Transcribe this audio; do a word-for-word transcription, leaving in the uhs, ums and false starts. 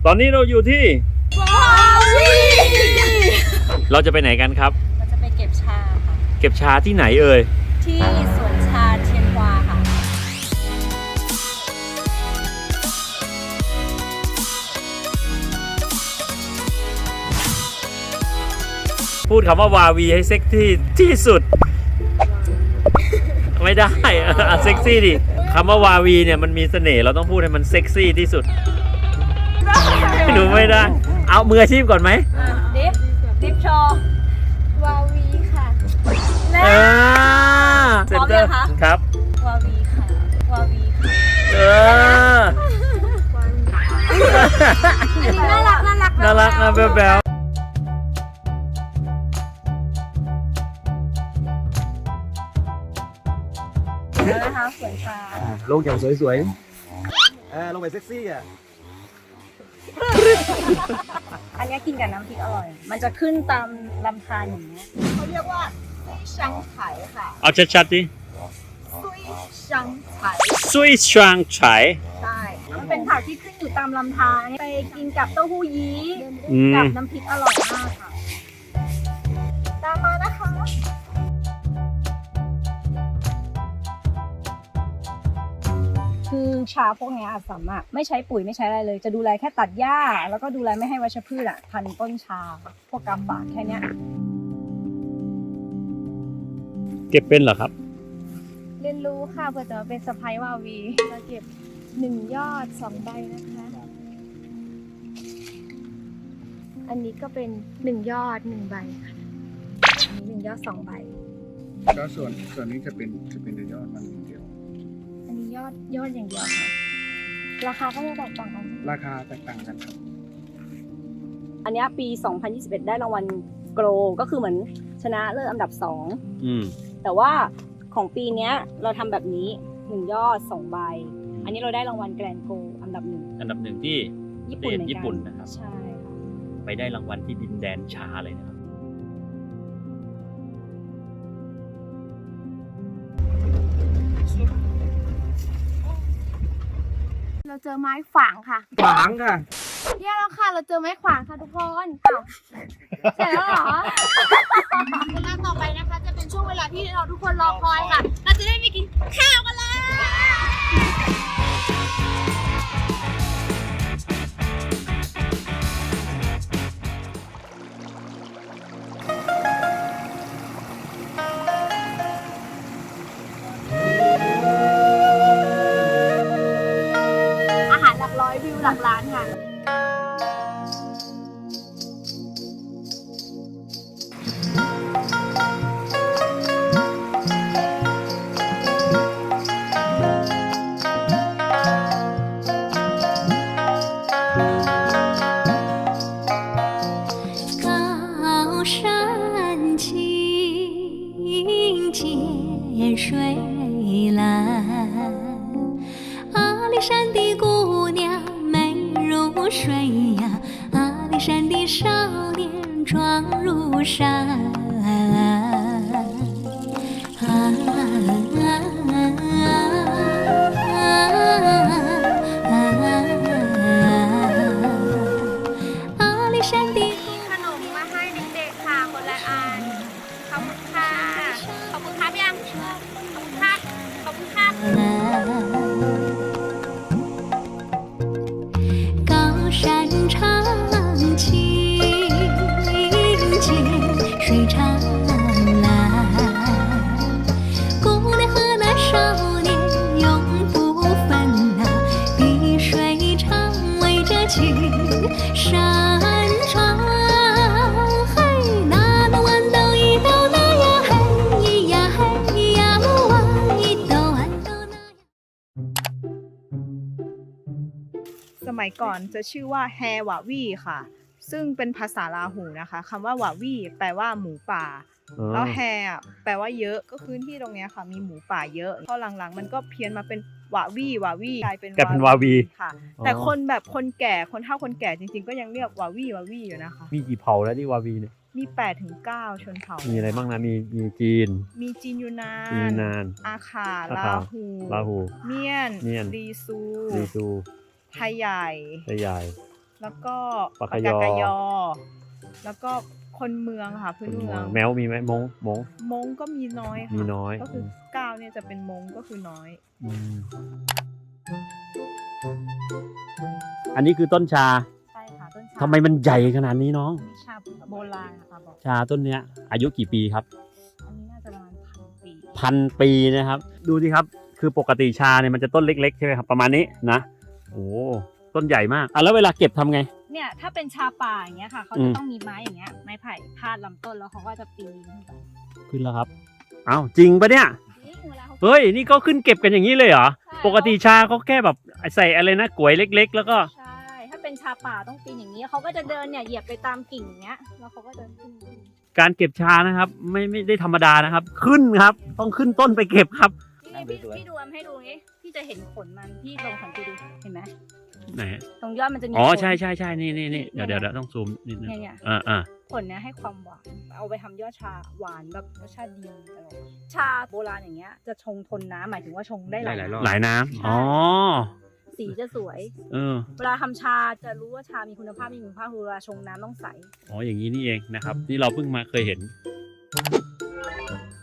ตอนนี้เราอยู่ที่วาวีเราจะไปไหนกันครับเราจะไปเก็บชาค่ะเก็บชาที่ไหนเอ่ยที่สวนชาเทียนฮวาค่ะพูดคำว่าวาวีให้เซ็กซี่ที่สุดไม่ได้อะเซ็กซี่ดิคำว่าวาวีเนี่ยมันมีเสน่ห์เราต้องพูดให้มันเซ็กซี่ที่สุดหนูไม่ได้เอามืออาชีพก่อนไหมดิฟดิฟโชว์วาวีค่ะเออเซ็นเตอร์ครับวาวีค่ะวาวีค่ะเออน่ารักน่ารักน่ารักนะแบ๊วแบ๊วนะคะสวนชาลงอย่างสวยๆอ่าลงไปเซ็กซี่อ่ะอันนี้กินกับน้ำพริกอร่อยมันจะขึ้นตามลำธารอย่างนี้เขาเรียกว่าช่างไฉค่ะเอาชัดๆดิซุยช่างไฉซุยช่างไฉใช่มันเป็นผักที่ขึ้นอยู่ตามลำธารไปกินกับเต้าหู้ยี้กับน้ำพริกอร่อยมากค่ะตามมานะคะคือชาพวกนี้อาจสามารถไม่ใช้ปุ๋ยไม่ใช้อะไรเลยจะดูแลแค่ตัดหญ้าแล้วก็ดูแลไม่ให้วัชพืชอ่ะพันต้นชาพวกกำบากแค่นี้เก็บเป็นเหรอครับเรียนรู้ค่ะเพื่อจะมาเป็นสะพ้ายวาวีเราเก็บหนึ่งยอดสองใบนะคะอันนี้ก็เป็นหนึ่งยอดหนึ่งใบค่ะอันนี้หนึ่งยอดสองใบก็ส่วนส่วนนี้จะเป็นจะเป็นยอดมันเดียวอันนี้ยอดยอดอย่างเดียวค่ะราคาก็จะแตกต่างกันราคาแตกต่างกันครับอันนี้ปีสองพันยี่สิบเอ็ดได้รางวัลโกลก็คือเหมือนชนะเลิศอันดับสองแต่ว่าของปีนี้เราทำแบบนี้หนึ่งยอดสองใบอันนี้เราได้รางวัลแกรนด์โกลอันดับหนึ่งอันดับหนึ่งที่ญี่ปุ่นญี่ปุ่นนะครับใช่ไปได้รางวัลที่ดินแดนชาเลยนะครับเราเจอไม้ฝางค่ะฝางค่ะเยี่ยมแล้วค่ะเราเจอไม้ขวางค่ะทุกคนเอ้าเสร็จแล้วเหรอเวลาต่อไปนะคะจะเป็นช่วงเวลาที่เราทุกคนรอคอยค่ะเราจะได้ไปกินข้าวกันเลยอาหารหลักร้อยวิวหลักล้านค่ะ水蓝，阿里山的姑娘美如水呀，阿里山的少年壮如山。啊阿里山的ขนมมาให้เด็กๆค่ะคนละอันขอบคุณค่ะขอบคุณครับยังขอบคุณค่ะขอบคุณค่ะ高山长青涧水长蓝姑娘和那少年永不分啊碧水长围着青山川嘿那那豌豆一豆那呀嘿咿呀嘿咿呀木啊一豆豌豆那呀สมัยก่อนจะชื่อว่าแฮวาวีค่ะซึ่งเป็นภาษาลาหูนะคะคำว่าวาวีแปลว่าหมูป่าแล้วแฮแปลว่าเยอะก็พื้นที่ตรงนี้ค่ะมีหมูป่าเยอะพอหลังๆมันก็เพี้ยนมาเป็นวาวีวาวีกลายเป็นวาวีค่ะแต่คนแบบคนแก่คนเฒ่าคนแก่จริงๆก็ยังเรียกวาวีวาวีอยู่นะคะมีกี่เผ่าแล้วที่วาวีเนี่ยมีแปดถึงเก้าชนเผ่ามีอะไรบ้างนะมีมีจีนมีจีนยูนานจีนยูนานอาคาลาหูลาหูเมียนเมียนลีซูลีซูไทยใหญ่ไทยใหญ่แล้วก็ปากกายอกายอ แล้วก็คนเมืองค่ะพื้นเมืองแมวมีไหมมงมงมงก็มีน้อยค่ะมีน้อยก็คือเก้าเนี่ยจะเป็นมงก็คือน้อยอืมอันนี้คือต้นชาใช่ค่ะต้นชาทำไมมันใหญ่ขนาดนี้น้องชาโบราณนะคะบอกชาต้นเนี้ย อายุกี่ปีครับอันนี้น่าจะประมาณพันปีพันปีนะครับ ดูสิครับ คือปกติชาเนี่ยมันจะต้นเล็กๆใช่ไหมครับ ประมาณนี้นะโอ้ต้นใหญ่มากอ่ะแล้วเวลาเก็บทำไงเนี่ยถ้าเป็นชาป่าอย่างเงี้ยค่ะเขาอืจะมต้องมีไม้อย่างเงี้ยไม้ไผ่พาดลำต้นแล้วเขาก็จะปีนขึ้นไปขึ้นแล้วครับอ้าวจริงปะเนี่ยนี่เวลาเขาเฮ้ยนี่ก็ขึ้นเก็บกันอย่างนี้เลยเหรอใช่ปกติชาเขาแค่แบบใส่อะไรนะกลวยเล็ก ๆ แล้วก็ใช่ ถ้าเป็นชาป่าต้องปีนอย่างนี้เขาก็จะเดินเนี่ยเหยียบไปตามกิ่งอย่างเงี้ยแล้วเขาก็เดินขึ้นขึ้นการเก็บชานะครับ ไม่ไม่ได้ธรรมดานะครับ ขึ้นครับ ต้องขึ้นต้นไปเก็บครับนี่พี่พี่ดูอำให้ดูนี้พี่จะเห็นขนมันพี่ลองสังเกตดูเห็นไหมไหนตรงยอดมันจะมีอ๋อขนใช่ใช่ใช่นี่นี่นี่เดี๋ยวเดี๋ยวเดี๋ยวต้องซูมนิดนึงเนี่ยเนี่ยอ่าอ่าผลเนี้ยให้ความหวาน เอาไปทำยอดชาหวานแบบรสชาติดีอร่อยชาโบราณอย่างเงี้ยจะชงทนน้ำหมายถึงว่าชงได้หลายน้ำหลายน้ำอ๋อสีจะสวยเออเวลาทำชาจะรู้ว่าชามีคุณภาพไม่มีคุณภาพคือเวลาชงน้ำต้องใสอ๋ออย่างนี้นี่เองนะครับ นี่เราเพิ่งมาเคยเห็น